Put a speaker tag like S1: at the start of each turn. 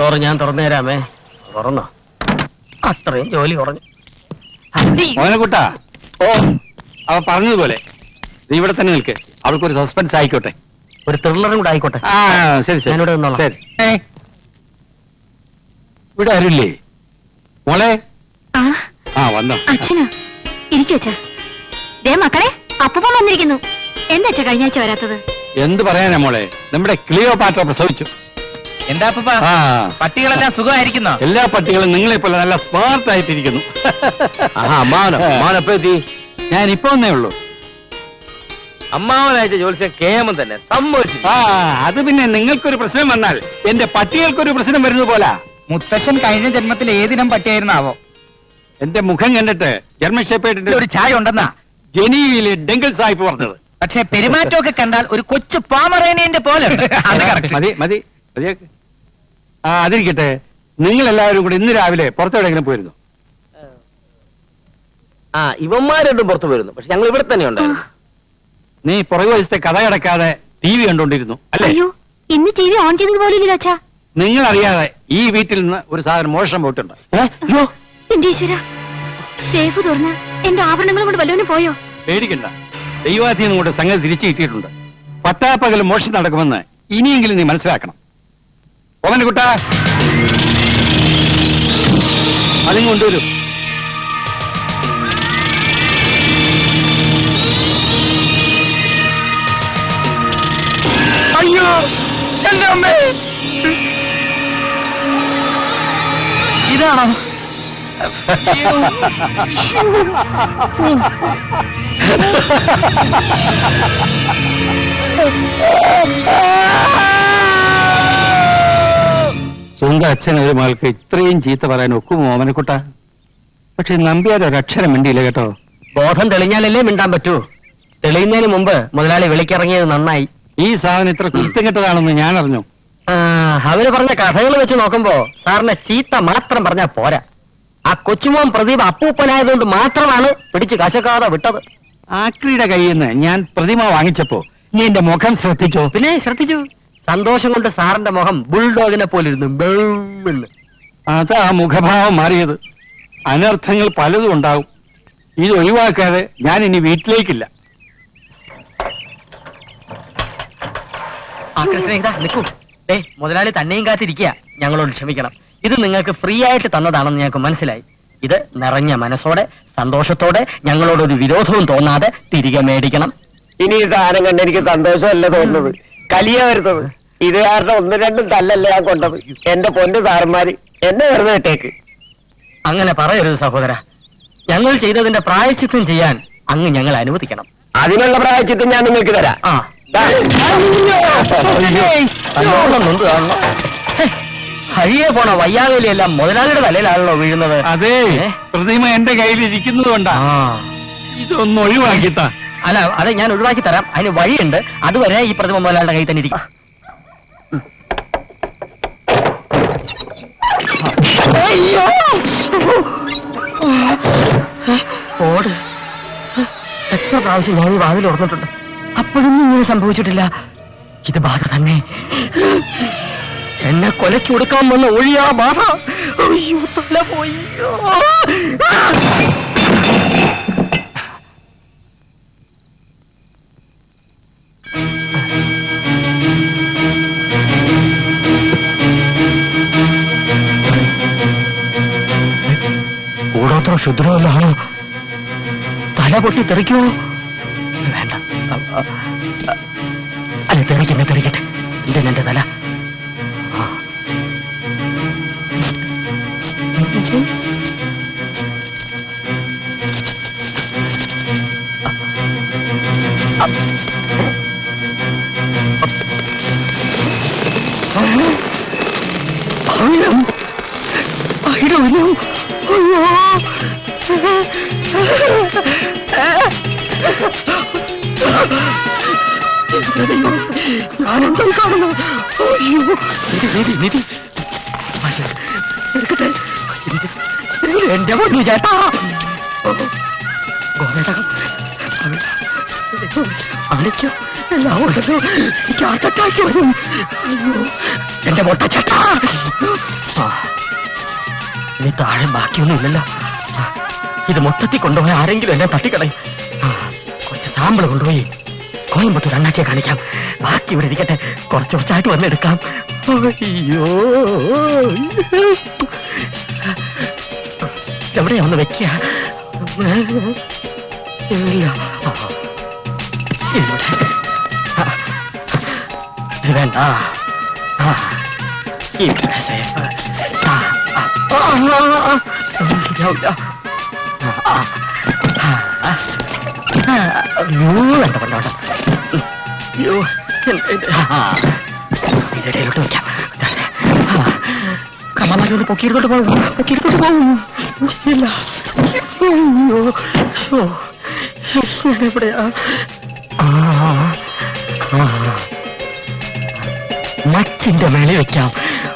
S1: Door ഞാൻ തുറന്നു തരാമേ. തുറന്നോ? അത്രയും ജോലി കുറഞ്ഞു.
S2: മോനക്കുട്ടാ, ഓ അവ പറഞ്ഞതുപോലെ നീ ഇവിടെ തന്നെ നിൽക്ക്. അവൾക്കൊരു സസ്പെൻസ് ആയിക്കോട്ടെ,
S1: ഒരു ത്രില്ലറും കൂടെ ആയിക്കോട്ടെ.
S2: ആ ശരി ശരി,
S1: ഞാനിവിടെ നിന്നോളാം.
S2: ശരി. ഇവിടെ ആരില്ലേ മോളെ? ആ വന്നോ.
S3: അച്ഛനാ, ഇരിക്കച്ചാ. ദേ മക്കളെ, അപ്പൂപ്പൻ വന്നിരിക്കുന്നു. എന്താ അച്ഛാ കഴിഞ്ഞ ആഴ്ച വരാത്തത്?
S2: എന്ത് പറയാനാ മോളെ, നമ്മുടെ ക്ലിയോപാട്ര പ്രസവിച്ചു.
S4: എന്താ അപ്പൂപ്പ,
S2: ആ
S4: പട്ടികളെല്ലാം സുഖമായിരിക്കുന്നോ?
S2: എല്ലാ പട്ടികളും നിങ്ങളെ പോലെ നല്ല സ്മാർട്ട് ആയിട്ടിരിക്കുന്നു.
S1: അമ്മാവനെത്തി?
S2: ഞാൻ ഇപ്പൊ വന്നേ ഉള്ളൂ.
S1: അമ്മാവനായിട്ട് ജോലിച്ച കേമം തന്നെ സംഭവിച്ചു.
S2: ആ അത് പിന്നെ നിങ്ങൾക്കൊരു പ്രശ്നം വന്നാൽ എന്റെ പട്ടികൾക്കൊരു പ്രശ്നം വരുന്നത് പോലാ.
S4: മുത്തശ്ശൻ കഴിഞ്ഞ ജന്മത്തിൽ ഏതിനം പട്ടിയായിരുന്നാവോ?
S2: എന്റെ മുഖം കണ്ടിട്ട് ജർമ്മൻ ഷെപ്പേർഡിന്റെ
S4: ഒരു ചായ ഉണ്ടെന്നാ
S2: ജനീവയിലെ ഡെങ്കിൾ സാഹിബ് പറഞ്ഞത്.
S4: പക്ഷെ പെരുമാറ്റമൊക്കെ കണ്ടാൽ ഒരു കൊച്ചു പാമറേനേന്റെ പോലെ ഉണ്ട്. അത് correct.
S2: മതി മതി മതിയാക്ക്. ആ അതിരിക്കട്ടെ, നിങ്ങൾ എല്ലാവരും കൂടെ ഇന്ന് രാവിലെ പുറത്തെവിടെയെങ്കിലും പോയിരുന്നു?
S1: ആ ഇവന്മാരോട്ടും പുറത്തു പോയിരുന്നു, പക്ഷെ ഞങ്ങൾ ഇവിടെ തന്നെ ഉണ്ടായിരുന്നു.
S2: നീ പുറകു വശത്തെ കഥ കിടക്കാതെ TV കണ്ടോണ്ടിരുന്നു അല്ലേ?
S3: അയ്യോ, ഇന്ന് ടി വി ഓൺ ചെയ്തത് പോലും ഇല്ല അച്ഛാ.
S2: നിങ്ങൾ അറിയാതെ ഈ വീട്ടിൽ നിന്ന് ഒരു സാധനം മോഷണം പോയിട്ടുണ്ട്.
S1: അയ്യോ,
S3: എന്റെ ഈശ്വര, സേഫ് തുറന്ന് എന്റെ ആഭരണങ്ങളും കൊണ്ട് വല്ലവനും പോയോ?
S2: പേടിക്കണ്ട, ദൈവാധീനം കൊണ്ട് സംഗതി തിരിച്ചു കിട്ടിയിട്ടുണ്ട്. പട്ടാപ്പകൽ മോഷണം നടക്കുമെന്ന് ഇനിയെങ്കിലും നീ മനസ്സിലാക്കണം. ഓമനക്കുട്ടാ, അതും കൊണ്ടുവരും.
S4: അയ്യോ എന്റെ അമ്മേ, ഇതാണോ?
S2: സ്വന്തം അച്ഛൻ ഒരു മകൾക്ക് ഇത്രയും ചീത്ത പറയാൻ ഒക്കുമോ ഓമനക്കുട്ട? പക്ഷെ നമ്പ്യാർ ഒരക്ഷരം മിണ്ടിയില്ല കേട്ടോ.
S1: ബോധം തെളിഞ്ഞാലല്ലേ മിണ്ടാൻ പറ്റൂ. തെളിയുന്നതിന് മുമ്പ് മുതലാളി വിളിക്കിറങ്ങിയത് നന്നായി.
S2: ഈ സാധനം ഇത്ര കുറ്റം കെട്ടതാണെന്ന് ഞാൻ അറിഞ്ഞു.
S1: അവര് പറഞ്ഞ കഥകൾ വെച്ച് നോക്കുമ്പോ സാറിനെ ചീത്ത മാത്രം പറഞ്ഞാ പോരാ. ആ കൊച്ചുമോൻ പ്രദീപ് അപ്പൂപ്പനായതുകൊണ്ട് മാത്രമാണ് പിടിച്ച് കശക്കാതെ വിട്ടത്.
S2: ആക്രിയുടെ കയ്യിൽ നിന്ന് ഞാൻ പ്രതിമ വാങ്ങിച്ചപ്പോ നീ എന്റെ മുഖം ശ്രദ്ധിച്ചോ?
S1: പിന്നെ ശ്രദ്ധിച്ചു. സന്തോഷം കൊണ്ട് സാറിന്റെ മുഖം ബുൾഡോഗിനെ പോലിരുന്നു.
S2: അതാ മുഖഭാവം മാറിയത്. അനർത്ഥങ്ങൾ പലതും ഉണ്ടാവും. ഇത് ഒഴിവാക്കാതെ ഞാൻ ഇനി വീട്ടിലേക്കില്ല.
S1: ആ കൃഷ്ണ ഇതാ നിൽക്കൂ. മുതലാളി തന്നെയും കാത്തിരിക്കുക. ഞങ്ങളോട് ക്ഷമിക്കണം. ഇത് നിങ്ങൾക്ക് ഫ്രീ ആയിട്ട് തന്നതാണെന്ന് ഞങ്ങൾക്ക് മനസ്സിലായി. ഇത് നിറഞ്ഞ മനസ്സോടെ സന്തോഷത്തോടെ ഞങ്ങളോടൊരു വിരോധവും തോന്നാതെ തിരികെ മേടിക്കണം.
S5: ഇനി ഈ സാധനം കണ്ട് എനിക്ക് സന്തോഷമല്ല തോന്നുന്നത്, കലിയ വരുന്നത്. ഇത് കാരണം ഒന്നും രണ്ടും തല്ലല്ല ഞാൻ കൊണ്ടത്. എന്റെ പൊന്നു സാറന്മാര് എന്നെ വെറുതെ ഇട്ടേക്ക്.
S1: അങ്ങനെ പറയരുത് സഹോദര. ഞങ്ങൾ ചെയ്തതിന്റെ പ്രായശ്ചിത്തം ചെയ്യാൻ അങ്ങ് ഞങ്ങൾ അനുവദിക്കണം.
S5: അതിനുള്ള പ്രായശ്ചിത്തം ഞാൻ നിങ്ങൾക്ക് തരാം.
S1: ആ ഹരിയെ പോണ വയ്യാവേലിയെല്ലാം മുതലാളിയുടെ തലയിലാണല്ലോ വീഴുന്നത്.
S2: അതെ, പ്രതിമ എന്റെ കയ്യിൽ ഇരിക്കുന്നത് കൊണ്ടാ. ഇതൊന്ന് ഒഴിവാക്കിത്താ.
S1: അല്ല, അത് ഞാൻ ഒഴിവാക്കി തരാം. അതിന് വഴിയുണ്ട്. അതുവരെ ഈ പ്രതിമ മുതലാളിയുടെ കയ്യിൽ തന്നെ ഇരിക്കും. ഓട്, എത്ര പ്രാവശ്യം ഞാൻ ഈ വാതിൽ ഓർന്നിട്ടുണ്ട്. അപ്പോഴൊന്നും ഇങ്ങനെ സംഭവിച്ചിട്ടില്ല. ഇത് ബാധ തന്നെ. എന്നെ കൊലയ്ക്ക് കൊടുക്കാൻ വന്ന ഒഴിയാ ബാധ. അയ്യോ, തല പോയി. കൂടോത്രം ശുദ്രമല്ലാണോ? തല പൊട്ടി തെറിക്കുമോ? വേണ്ട, അല്ല തെറിക്കട്ടെ. ഇതെന്നെ തല. ഞാനെന്താ കാണുന്നു? അയ്യോ, നിധി എന്റെ പൊന്നു ചേട്ടാ. അണിക്കോ എല്ലാം ഉണ്ടല്ലോ. എനിക്ക് ഹാർട്ട് അറ്റാക്ക് വരും. അയ്യോ, എന്റെ പൊട്ട ചേട്ടാ. ഇനി താഴെ ബാക്കിയൊന്നുമില്ലല്ലോ. ഇത് മൊത്തത്തിൽ കൊണ്ടുപോയി ആരെങ്കിലും എന്നെ തട്ടിക്കളയും. കുറച്ച് സാമ്പിൾ കൊണ്ടുപോയി കോയമ്പത്തൂർ അണ്ണാച്ചിയെ കാണിക്കാം. ബാക്കി ഇവിടെ ഇരിക്കട്ടെ, കുറച്ച് കുറച്ചായിട്ട് വന്നെടുക്കാം. അയ്യോ, എവിടെയാ ഒന്ന് വെക്കുക? ഇല്ല, ഇവിടെ. ഇത് വേണ്ട. ഇവിടെ സേഫ്. ശരിയാവില്ല. അയ്യോ, വേണ്ട വേണ്ട വേണ്ട. അയ്യോ, ഇടയിലോട്ട് വെക്കാം. കമ്മമാരി ഒന്ന് പൊക്കിയെടുത്തോട്ട് പോകും, പൊക്കിയെടുത്തോട്ട് പോകും. ഇല്ല. അയ്യോ, എവിടെയാ? മച്ചിന്റെ മേലെ വെക്കാം.